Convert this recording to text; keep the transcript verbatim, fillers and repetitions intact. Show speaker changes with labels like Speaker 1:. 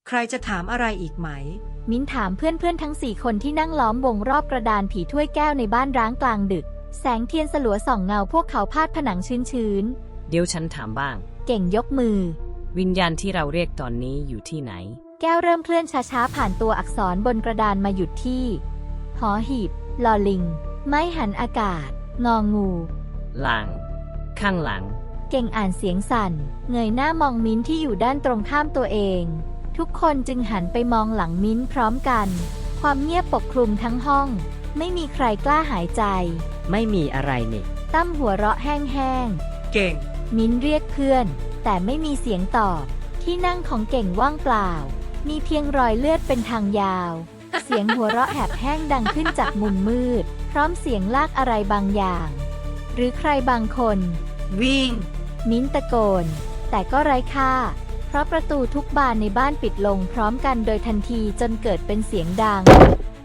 Speaker 1: ใครจะถามอะไรอีกไหม
Speaker 2: มิ้นถามเพื่อนๆทั้งสี่คนที่นั่งล้อมวงรอบกระดานผีถ้วยแก้วในบ้านร้างกลางดึกแสงเทียนสลัวส่องเงาพวกเขาพาดผนังชื้น
Speaker 3: เดี๋ยวฉันถามบ้าง
Speaker 2: ๆเก่งยกมือ
Speaker 3: วิญญาณที่เราเรียกตอนนี้อยู่ที่ไหน
Speaker 2: แก้วเริ่มเคลื่อนช้าๆผ่านตัวอักษรบนกระดานมาหยุดที่หอหีบลอลิงไม้หันอากาศงองู
Speaker 3: หลัง ข้างหลัง
Speaker 2: เก่งอ่านเสียงสั่นเงยหน้ามองมิ้นที่อยู่ด้านตรงข้ามตัวเองทุกคนจึงหันไปมองหลังมิ้นพร้อมกันความเงียบปกคลุมทั้งห้องไม่มีใครกล้าหายใจ
Speaker 4: ไม่มีอะไรนี่
Speaker 2: ตั้มหัวเราะแห้ง
Speaker 1: เก่ง
Speaker 2: มิ้นเรียกเพื่อนแต่ไม่มีเสียงตอบที่นั่งของเก่งว่างเปล่ามีเพียงรอยเลือดเป็นทางยาว เสียงหัวเราะแหบแห้งดังขึ้นจากมุมมืดพร้อมเสียงลากอะไรบางอย่างหรือใครบางคน
Speaker 1: วิ่ง
Speaker 2: มิ้นตะโกนแต่ก็ไร้ค่าเพราะประตูทุกบานในบ้านปิดลงพร้อมกันโดยทันทีจนเกิดเป็นเสียงดัง